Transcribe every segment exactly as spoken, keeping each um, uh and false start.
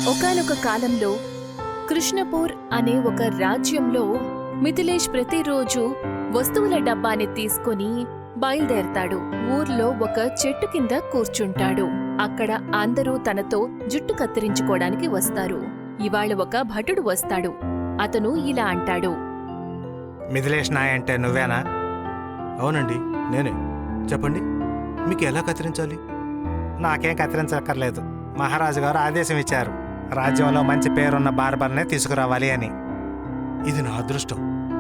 ఒకానొక కాలంలో కృష్ణపూర్ అనే ఒక రాజ్యంలో మిథిలేష్ ప్రతిరోజు వస్తువుల డబ్బాని తీసుకుని బయలుదేరతాడు. ఊర్లో ఒక చెట్టు కింద కూర్చుంటాడు. అక్కడ అందరూ తనతో జుట్టు కత్తిరించుకోవడానికి వస్తారు. ఇవాళ ఒక భటుడు వస్తాడు. అతను ఇలా అంటాడు, మిథిలేష్ నాయ్ అంటే నువ్వేనా? అవునండి, నేనే. చెప్పండి, మీకు ఎలా కత్తిరించాలి? నాకేం కత్తిరించక్కర్లేదు. మహారాజు గారు ఆదేశం ఇచ్చారు, రాజ్యంలో మంచి పేరున్న బార్బర్నే తీసుకురావాలి అని. ఇది నా అదృష్టం.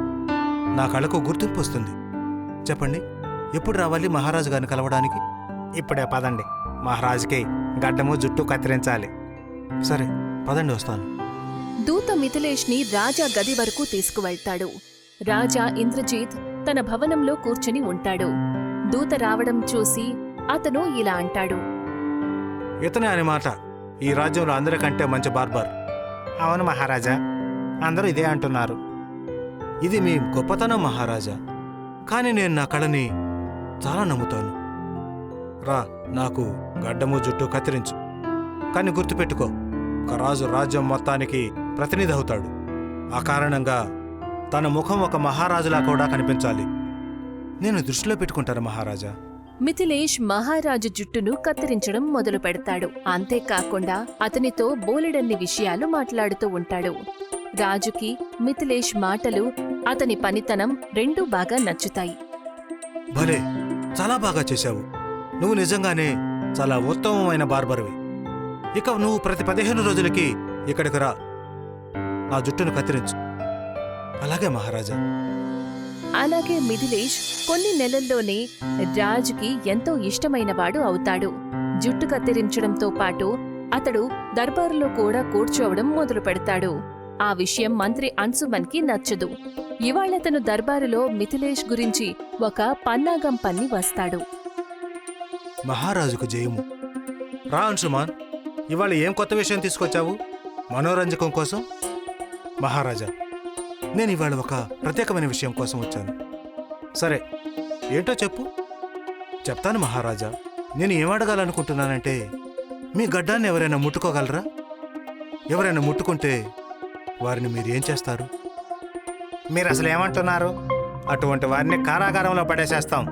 నా కళకు గుర్తింపు వస్తుంది. చెప్పండి, ఎప్పుడు రావాలి మహారాజు గారిని కలవడానికి? ఇప్పుడే పదండి, మహారాజుకి గడ్డము జుట్టు కత్తిరించాలి. సరే పదండి, వస్తాను. దూత మిథిలేష్ ని రాజా గది వరకు తీసుకువెళ్తాడు. రాజా ఇంద్రజిత్ తన భవనంలో కూర్చుని ఉంటాడు. దూత రావడం చూసి అతను ఇలా అంటాడు, ఇతనే అని మాట ఈ రాజ్యంలో అందరికంటే మంచి బార్బర్. అవును మహారాజా, అందరూ ఇదే అంటున్నారు. ఇది మీ గొప్పతనం మహారాజా, కానీ నేను నా కళని చాలా నమ్ముతాను. రా, నాకు గడ్డము జుట్టు కత్తిరించు. కానీ గుర్తుపెట్టుకో, ఒక రాజు రాజ్యం మొత్తానికి ప్రతినిధి అవుతాడు. ఆ కారణంగా తన ముఖం ఒక మహారాజులా కూడా కనిపించాలి. నేను దృష్టిలో పెట్టుకుంటాను మహారాజా. మిథిలేష్ మహారాజు జుట్టును కత్తిరించడం మొదలు పెడతాడు. అంతేకాకుండా అతనితో బోలెడన్ని విషయాలు మాట్లాడుతూ ఉంటాడు. రాజుకి మిథిలేష్ మాటలు, అతని పనితనం రెండూ బాగా నచ్చుతాయి. భలే, చాలా బాగా చేశావు. నువ్వు నిజంగానే చాలా ఉత్తమమైన బార్బర్వి. ఇక నువ్వు ప్రతి పదిహేను రోజులకి ఇక్కడికి రా, ఆ జుట్టును కత్తిరించు. అలాగే మహారాజా. అలాగే మిథిలేష్ కొన్ని నెలల్లోనే రాజుకి ఎంతో ఇష్టమైనవాడు అవుతాడు. జుట్టు కత్తిరించడంతో పాటు అతడు దర్బారులో కూడా కూర్చోవడం మొదలు పెడతాడు. ఆ విషయం మంత్రి అన్సుమన్కి నచ్చదు. ఇవాళతను దర్బారులో మిథిలేష్ గురించి ఒక పన్నాగం పన్ని వస్తాడు. మహారాజుకు జయము. రా అన్సుమాన్, ఇవాళ ఏం కొత్త విషయం తీసుకొచ్చావు మనోరంజకం కోసం? మహారాజా, నేను ఇవాళ ఒక ప్రత్యేకమైన విషయం కోసం వచ్చాను. సరే, ఏంటో చెప్పు. చెప్తాను మహారాజా. నేను ఏం అడగాలనుకుంటున్నానంటే, మీ గడ్డాన్ని ఎవరైనా ముట్టుకోగలరా? ఎవరైనా ముట్టుకుంటే వారిని మీరేం చేస్తారు? మీరు అసలు ఏమంటున్నారు? అటువంటి వారిని కారాగారంలో పడేసేస్తాం.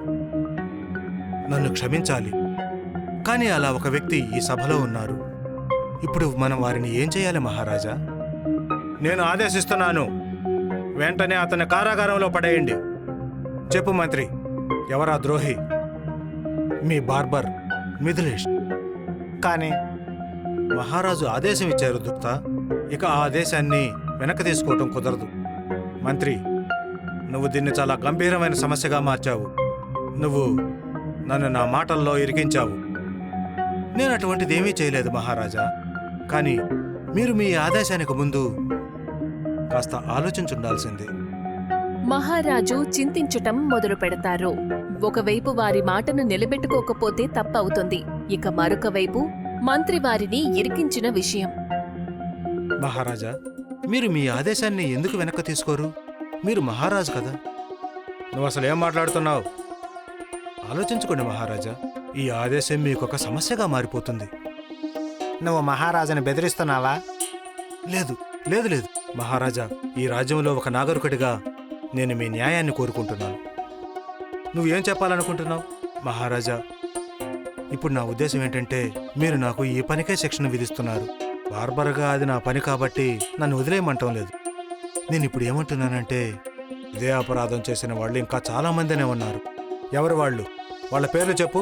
నన్ను క్షమించాలి, కానీ అలా ఒక వ్యక్తి ఈ సభలో ఉన్నారు. ఇప్పుడు మనం వారిని ఏం చేయాలి మహారాజా? నేను ఆదేశిస్తున్నాను, వెంటనే అతన్ని కారాగారంలో పడేయండి. చెప్పు మంత్రి, ఎవరా ద్రోహి? మీ బార్బర్ మిథిలేష్. కానీ మహారాజు ఆదేశం ఇచ్చారు దూత. ఇక ఆ ఆదేశాన్ని వెనక్కి తీసుకోవటం కుదరదు. మంత్రి, నువ్వు దీన్ని చాలా గంభీరమైన సమస్యగా మార్చావు. నువ్వు నన్ను నా మాటల్లో ఇరికించావు. నేను అటువంటిదేమీ చేయలేదు మహారాజా. కానీ మీరు మీ ఆదేశానికి ముందు కాస్త ఆలోచించుండాల్సిందే. మహారాజు చింతించటం మొదలు పెడతారు. ఒకవైపు వారి మాటను నిలబెట్టుకోకపోతే తప్పవుతుంది. ఇక మరొక వైపు మంత్రి వారిని ఇరికించిన విషయం. మహారాజా, మీరు మీ ఆదేశాన్ని ఎందుకు వెనక్కి తీసుకోరు? మీరు మహారాజు కదా. నువ్వు అసలు ఏం మాట్లాడుతున్నావు? ఆలోచించుకోండి మహారాజా, ఈ ఆదేశం మీకొక సమస్యగా మారిపోతుంది. నువ్వు మహారాజుని బెదిరిస్తున్నావా? లేదు లేదు లేదు మహారాజా, ఈ రాజ్యంలో ఒక నాగరికుడిగా నేను మీ న్యాయాన్ని కోరుకుంటున్నాను. నువ్వేం చెప్పాలనుకుంటున్నావు? మహారాజా, ఇప్పుడు నా ఉద్దేశం ఏంటంటే, మీరు నాకు ఈ పనికే శిక్షణ విధిస్తున్నారు. బార్బర్గా అది నా పని కాబట్టి నన్ను వదిలేయమంటం లేదు. నేను ఇప్పుడు ఏమంటున్నానంటే, ఇదే అపరాధం చేసిన వాళ్ళు ఇంకా చాలా మందినే ఉన్నారు. ఎవరు వాళ్ళు? వాళ్ళ పేర్లు చెప్పు.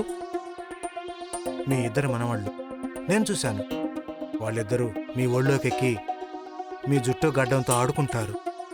మీ ఇద్దరు మనవాళ్ళు. నేను చూశాను. వాళ్ళిద్దరూ మీ ఒళ్ళోకెక్కి మీ జుట్టు గడ్డంతో ఆడుకుంటారు.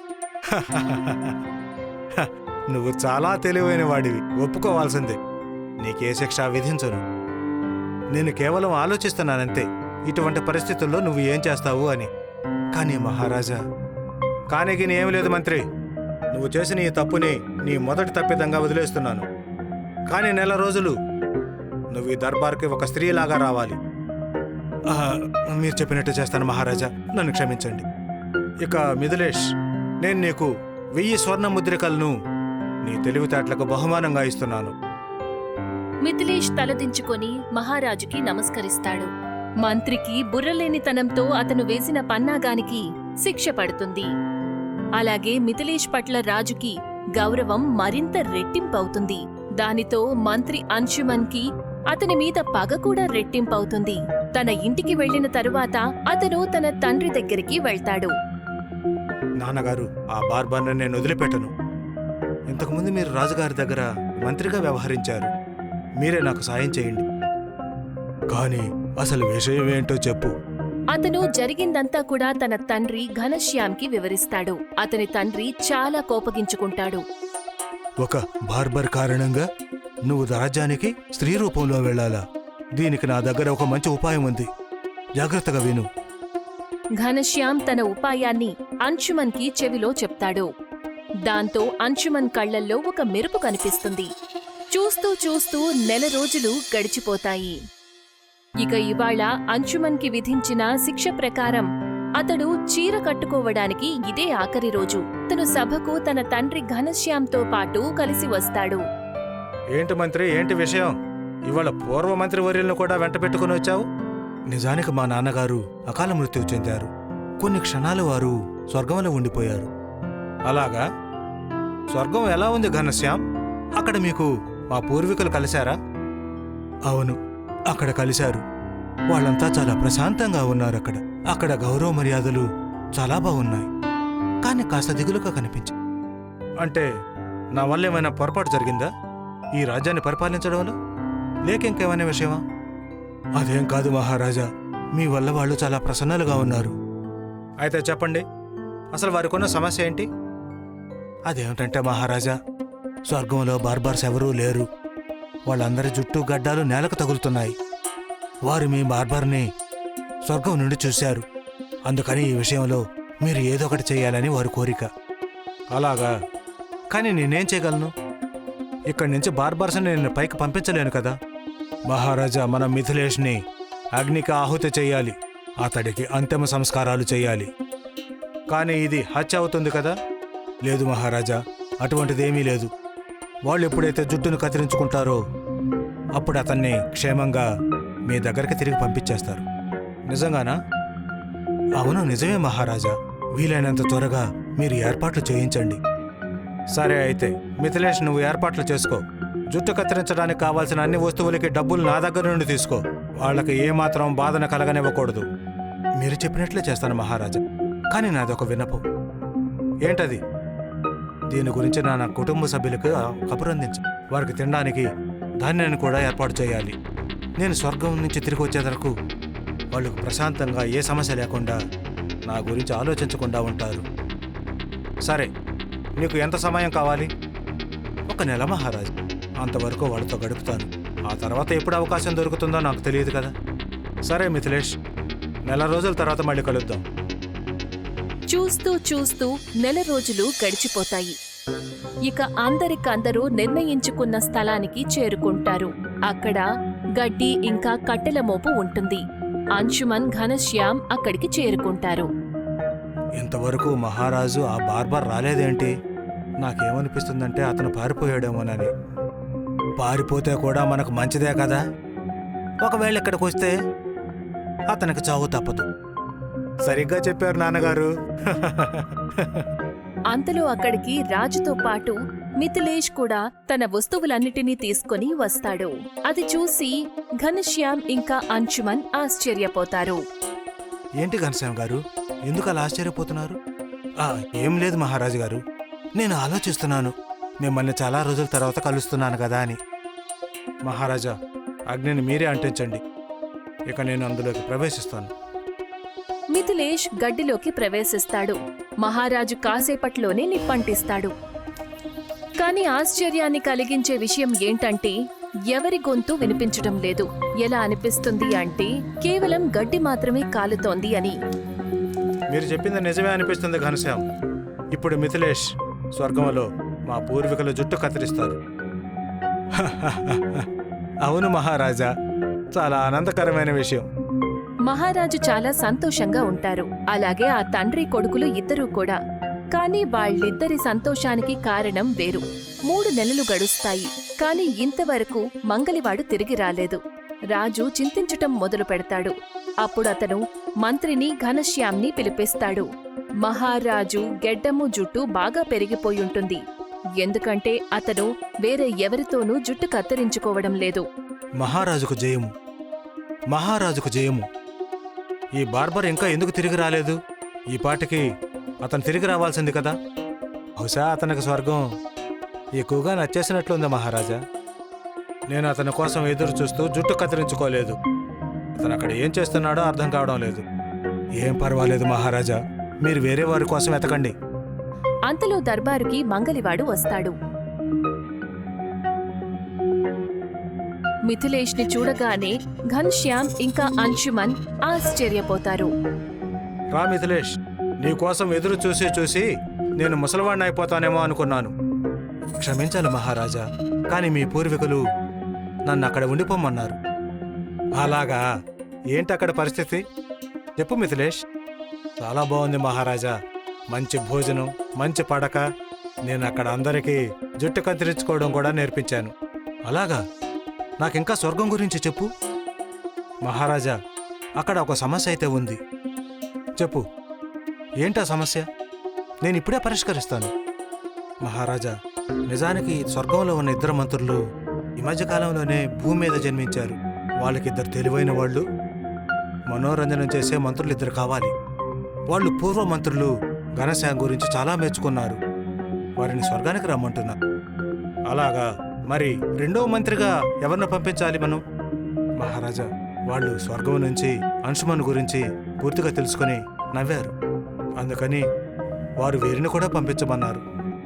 నువ్వు చాలా తెలివైన వాడివి, ఒప్పుకోవాల్సిందే. నీకే శిక్ష విధించను. నేను కేవలం ఆలోచిస్తున్నానంతే, ఇటువంటి పరిస్థితుల్లో నువ్వు ఏం చేస్తావు అని. కానీ మహారాజా, కానీకి ఏం లేదు మంత్రి. నువ్వు చేసిన ఈ తప్పుని నీ మొదటి తప్పిదంగా వదిలేస్తున్నాను. కానీ నెల రోజులు నువ్వు ఈ దర్బార్కి ఒక స్త్రీలాగా రావాలి. మీరు చెప్పినట్టు చేస్తాను మహారాజా, నన్ను క్షమించండి. ఇక మిథిలేష్, నేను నీకు వెయ్యి స్వర్ణ ముద్రికలను నీ తెలివితేటలకు బహుమానంగా ఇస్తున్నాను. మిథిలేష్ తలదించుకొని మహారాజుకి నమస్కరిస్తాడు. మంత్రికి బుర్రలేనితనంతో అతను వేసిన పన్నాగానికి శిక్ష పడుతుంది. అలాగే మిథిలేష్ పట్ల రాజుకి గౌరవం మరింత రెట్టింపవుతుంది. దానితో మంత్రి అంశుమన్కి అతని మీద పగ కూడా రెట్టింపవుతుంది. తన ఇంటికి వెళ్లిన తరువాత అతను తన తండ్రి దగ్గరికి వెళ్తాడు. నాన్నగారు, ఆ బార్బర్ని నేను వదిలిపెట్టను. ఇంతకుముందు మీరు రాజుగారి దగ్గర మంత్రిగా వ్యవహరించారు. మీరే నాకు సాయం చేయండి. కానీ అసలు విషయం ఏంటో చెప్పు. అతను జరిగిందంతా కూడా తన తండ్రి ఘనశ్యామ్కి వివరిస్తాడు. అతని తండ్రి చాలా కోపగించుకుంటాడు. ఒక బార్బర్ కారణంగా నువ్వు రాజ్యానికి స్త్రీ రూపంలో వెళ్ళాలా? దీనికి నా దగ్గర ఒక మంచి ఉపాయం ఉంది. జాగ్రత్తగా విను. ఘనశ్యామ్ తన ఉపాయాన్ని అంశుమన్కి చెవిలో చెప్తాడు. దాంతో అంశుమన్ కళ్లల్లో ఒక మెరుపు కనిపిస్తుంది. చూస్తూ చూస్తూ నెల రోజులు గడిచిపోతాయి. ఇక ఇవాళ అంశుమన్కి విధించిన శిక్ష ప్రకారం అతడు చీర కట్టుకోవడానికి ఇదే ఆఖరి రోజు. అతను సభకు తన తండ్రి ఘనశ్యామ్తో పాటు కలిసి వస్తాడు. ఏంటి మంత్రి, ఏంటి విషయం? ఇవాళ పూర్వ మంత్రి వర్యులను కూడా వెంట పెట్టుకుని వచ్చావు? నిజానికి మా నాన్నగారు అకాల మృత్యువు చెందారు. కొన్ని క్షణాలు వారు స్వర్గంలో ఉండిపోయారు. అలాగా? స్వర్గం ఎలా ఉంది ఘనశ్యామ్? అక్కడ మీకు మా పూర్వీకులు కలిశారా? అవును, అక్కడ కలిశారు. వాళ్ళంతా చాలా ప్రశాంతంగా ఉన్నారు. అక్కడ అక్కడ గౌరవ మర్యాదలు చాలా బాగున్నాయి. కానీ కాస్త దిగులుగా కనిపించాయి. అంటే నా వల్ల ఏమైనా పొరపాటు జరిగిందా ఈ రాజ్యాన్ని పరిపాలించడంలో? లేక ఇంకేమైనా విషయమా? అదేం కాదు మహారాజా, మీ వల్ల వాళ్ళు చాలా ప్రసన్నలుగా ఉన్నారు. అయితే చెప్పండి, అసలు వారికున్న సమస్య ఏంటి? అదేమిటంటే మహారాజా, స్వర్గంలో బార్బార్స్ ఎవరూ లేరు. వాళ్ళందరి జుట్టు గడ్డాలు నేలకు తగులుతున్నాయి. వారు మీ బార్బార్ని స్వర్గం నుండి చూశారు. అందుకని ఈ విషయంలో మీరు ఏదో ఒకటి చేయాలని వారి కోరిక. అలాగా? కానీ నేనేం చేయగలను? ఇక్కడి నుంచి బార్బార్స్ని నేను పైకి పంపించలేను కదా. మహారాజా, మన మిథిలేష్ని అగ్నికి ఆహుతి చెయ్యాలి. అతడికి అంతిమ సంస్కారాలు చెయ్యాలి. కానీ ఇది హత్య అవుతుంది కదా? లేదు మహారాజా, అటువంటిదేమీ లేదు. వాళ్ళు ఎప్పుడైతే జుట్టును కత్తిరించుకుంటారో అప్పుడు అతన్ని క్షేమంగా మీ దగ్గరికి తిరిగి పంపించేస్తారు. నిజంగానా? అవును, నిజమే మహారాజా. వీలైనంత త్వరగా మీరు ఏర్పాట్లు చేయించండి. సరే, అయితే మిథిలేష్, నువ్వు ఏర్పాట్లు చేసుకో. జుట్టు కత్తిరించడానికి కావాల్సిన అన్ని వస్తువులకి డబ్బులు నా దగ్గర నుండి తీసుకో. వాళ్ళకి ఏమాత్రం బాధన కలగనివ్వకూడదు. మీరు చెప్పినట్లే చేస్తాను మహారాజా. కానీ నాదొక విన్నపం. ఏంటది? దీని గురించి నా నా కుటుంబ సభ్యులకు కబురందించు. వారికి తినడానికి ధాన్యాన్ని కూడా ఏర్పాటు చేయాలి. నేను స్వర్గం నుంచి తిరిగి వచ్చే వరకు వాళ్ళు ప్రశాంతంగా ఏ సమస్య లేకుండా నా గురించి ఆలోచించకుండా ఉంటారు. సరే, నీకు ఎంత సమయం కావాలి? ఒక నెల మహారాజు. అంతవరకు వాళ్ళతో గడుపుతాను. ఆ తర్వాత ఎప్పుడు అవకాశం దొరుకుతుందో నాకు తెలియదు కదా. సరే మిథిలేష్, నెల రోజుల తర్వాత మళ్ళీ కలుద్దాం. చూస్తూ చూస్తూ నెల రోజులు గడిచిపోతాయి. ఇక అందరికందరూ నిర్ణయించుకున్న స్థలానికి చేరుకుంటారు. అక్కడ గడ్డి ఇంకా కట్టెల మోపు ఉంటుంది. అంశుమన్, ఘనశ్యామ్ అక్కడికి చేరుకుంటారు. ఇంతవరకు మహారాజు ఆ బార్బర్ రాలేదేంటి? నాకేమనిపిస్తుందంటే అతను పారిపోయాడేమోనని. పారిపోతే కూడా మనకు మంచిదే కదా. ఒకవేళ ఇక్కడికి వస్తే అతనికి చావు తప్పదు. సరిగ్గా చెప్పారు నాన్నగారు. అంతలో అక్కడికి రాజుతో పాటు మిథిలేష్ కూడా తన వస్తువులన్నిటినీ తీసుకుని వస్తాడు. అది చూసి ఘనశ్యామ్ ఇంకా అంశుమన్ ఆశ్చర్యపోతారు. ఏంటి ఘనశ్యామ్ గారు, ఎందుకు అలా ఆశ్చర్యపోతున్నారు? ఆ, ఏం లేదు మహారాజు గారు. నేను ఆలోచిస్తున్నాను, మిమ్మల్ని చాలా రోజుల తర్వాత కలుస్తున్నాను కదా అని. మహారాజా, అగ్నిని మీరే అంటించండి. ఇక నేను అందులోకి ప్రవేశిస్తాను. మిథిలేష్ గడ్డిలోకి ప్రవేశిస్తాడు. మహారాజు కాసేపట్లోనే నిప్పంటిస్తాడు. కాని ఆశ్చర్యాన్ని కలిగించే విషయం ఏంటంటే ఎవరి గొంతు వినిపించడం లేదు. ఎలా అనిపిస్తుంది అంటే కేవలం గడ్డి మాత్రమే కాలుతోంది అని. మీరు చెప్పింది నిజమే అనిపిస్తుంది ఘనశ్యామ్. ఇప్పుడు మిథిలేష్ స్వర్గంలో మా పూర్వీకుల జుట్టు కత్తిరిస్తారు. అవును మహారాజా, చాలా ఆనందకరమైన విషయం. మహారాజు చాలా సంతోషంగా ఉంటారు. అలాగే ఆ తండ్రి కొడుకులు ఇద్దరూ కూడా. కాని వాళ్ళిద్దరి సంతోషానికి కారణం వేరు. మూడు నెలలు గడుస్తాయి. కాని ఇంతవరకు మంగలివాడు తిరిగి రాలేదు. రాజు చింతించటం మొదలు పెడతాడు. అప్పుడు అతను మంత్రిని ఘనశ్యామ్ని పిలిపిస్తాడు. మహారాజు గెడ్డము జుట్టు బాగా పెరిగిపోయుంటుంది. ఎందుకంటే అతను వేరే ఎవరితోనూ జుట్టు కత్తిరించుకోవడం లేదు. మహారాజుకు జయము, మహారాజుకు జయము. ఈ బార్బర్ ఇంకా ఎందుకు తిరిగి రాలేదు? ఈ పాటికి అతను తిరిగి రావాల్సింది కదా. బహుశా అతనికి స్వర్గం ఎక్కువగా నచ్చేసినట్లుంది మహారాజా. నేను అతని కోసం ఎదురు చూస్తూ జుట్టు కత్తిరించుకోలేదు. అతను అక్కడ ఏం చేస్తున్నాడో అర్థం కావడం లేదు. ఏం పర్వాలేదు మహారాజా, మీరు వేరే వారి కోసం వెతకండి. అంతలో దర్బారుకి మంగలివాడు వస్తాడు. మిథిలేష్ని చూడగానే ఘన్శ్యామ్ ఇంకా అంశుమన్ ఆశ్చర్యపోతారు. రా మిథిలేష్, నీకోసం ఎదురు చూసి చూసి నేను ముసలివాణ్ణి అయిపోతానేమో అనుకున్నాను. క్షమించాలి మహారాజా, కాని మీ పూర్వీకులు నన్ను అక్కడ ఉండిపోమన్నారు. అలాగా? ఏంటి అక్కడ పరిస్థితి? చెప్పు మిథిలేష్. చాలా బాగుంది మహారాజా. మంచి భోజనం, మంచి పడక. నేను అక్కడ అందరికీ జుట్టు కత్తిరించుకోవడం కూడా నేర్పించాను. అలాగా? నాకింకా స్వర్గం గురించి చెప్పు. మహారాజా, అక్కడ ఒక సమస్య అయితే ఉంది. చెప్పు, ఏంటా సమస్య? నేను ఇప్పుడే పరిష్కరిస్తాను. మహారాజా, నిజానికి స్వర్గంలో ఉన్న ఇద్దరు మంత్రులు ఈ మధ్యకాలంలోనే భూమి మీద జన్మించారు. వాళ్ళకిద్దరు తెలివైన వాళ్ళు, మనోరంజనం చేసే మంత్రులు ఇద్దరు కావాలి. వాళ్ళు పూర్వ మంత్రులు ఘనశ్యామ్ గురించి చాలా మెచ్చుకున్నారు. వారిని స్వర్గానికి రమ్మంటున్నారు. అలాగా? మరి రెండో మంత్రిగా ఎవరిని పంపించాలి మనం? మహారాజా, వాళ్ళు స్వర్గం నుంచి అంశుమన్ గురించి పూర్తిగా తెలుసుకుని నవ్వారు. అందుకని వారు వీరిని కూడా పంపించమన్నారు.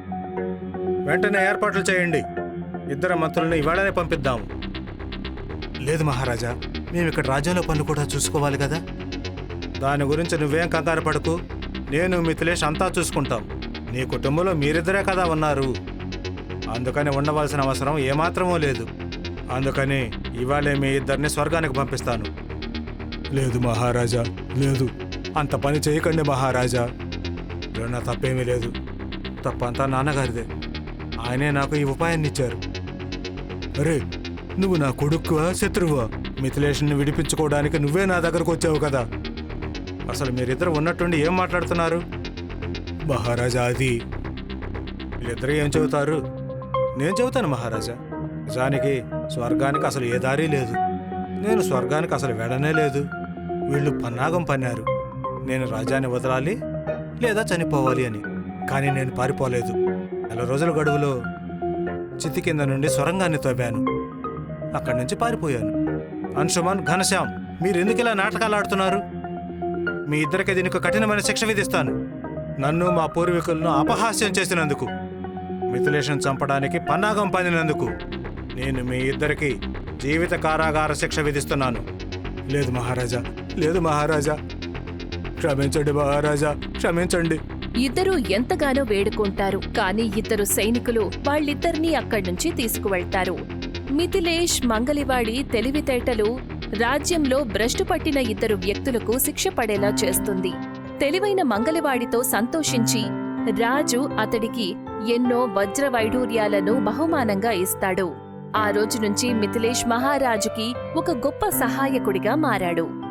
వెంటనే ఏర్పాట్లు చేయండి. ఇద్దరు మంత్రులను ఇవాళనే పంపిద్దాం. లేదు మహారాజా, మేము ఇక్కడ రాజ్యంలో పనులు కూడా చూసుకోవాలి కదా. దాని గురించి నువ్వేం కంగారు పడకు. నేను మిథిలేష్ అంతా చూసుకుంటాం. నీ కుటుంబంలో మీరిద్దరే కదా ఉన్నారు. అందుకని ఉండవలసిన అవసరం ఏమాత్రమూ లేదు. అందుకని ఇవాళే మీ ఇద్దరిని స్వర్గానికి పంపిస్తాను. లేదు మహారాజా, లేదు. అంత పని చేయకండి మహారాజా. నా తప్పేమీ లేదు. తప్పంతా నాన్నగారిదే. ఆయనే నాకు ఈ ఉపాయాన్ని ఇచ్చారు. అరే, నువ్వు నా కొడుకువా శత్రువా? మిథిలేష్ని విడిపించుకోవడానికి నువ్వే నా దగ్గరకు వచ్చావు కదా. అసలు మీరిద్దరు ఉన్నట్టుండి ఏం మాట్లాడుతున్నారు? మహారాజా, అది వీళ్ళిద్దరూ ఏం చెబుతారు? నేను చెబుతాను మహారాజా. నిజానికి స్వర్గానికి అసలు ఏ దారి లేదు. నేను స్వర్గానికి అసలు వెళ్ళనే లేదు. వీళ్ళు పన్నాగం పన్నారు. నేను రాజ్యాన్ని వదలాలి లేదా చనిపోవాలి అని. కానీ నేను పారిపోలేదు. నెల రోజుల గడువులో చితి కింద నుండి సొరంగాన్ని తవ్వాను. అక్కడి నుంచి పారిపోయాను. అంశుమన్, ఘనశ్యామ్, మీరెందుకు ఇలా నాటకాలు ఆడుతున్నారు? మీ ఇద్దరికి దీనికి కఠినమైన శిక్ష విధిస్తాను. నన్ను మా పూర్వీకులను అపహాస్యం చేసినందుకు, మిథిలేష్ను చంపడానికి పన్నాగం పన్నినందుకు నేను మీ ఇద్దరికి జీవిత కారాగార శిక్ష విధిస్తున్నాను. లేదు మహారాజా, లేదు మహారాజా. క్షమించండి మహారాజా, క్షమించండి. ఇద్దరూ ఎంతగానో వేడుకుంటారు. కాని ఇద్దరు సైనికులు వాళ్ళిద్దరినీ అక్కడ్నుంచి తీసుకువెళ్తారు. మిథిలేష్ మంగలివాడి తెలివితేటలు రాజ్యంలో భ్రష్టు పట్టిన ఇద్దరు వ్యక్తులకు శిక్ష పడేలా చేస్తుంది. తెలివైన మంగలివాడితో సంతోషించి రాజు అతడికి ఎన్నో వజ్ర వైఢూర్యాలను బహుమానంగా ఇస్తాడు. ఆ రోజు నుంచి మిథిలేష్ మహారాజుకి ఒక గొప్ప సహాయకుడిగా మారాడు.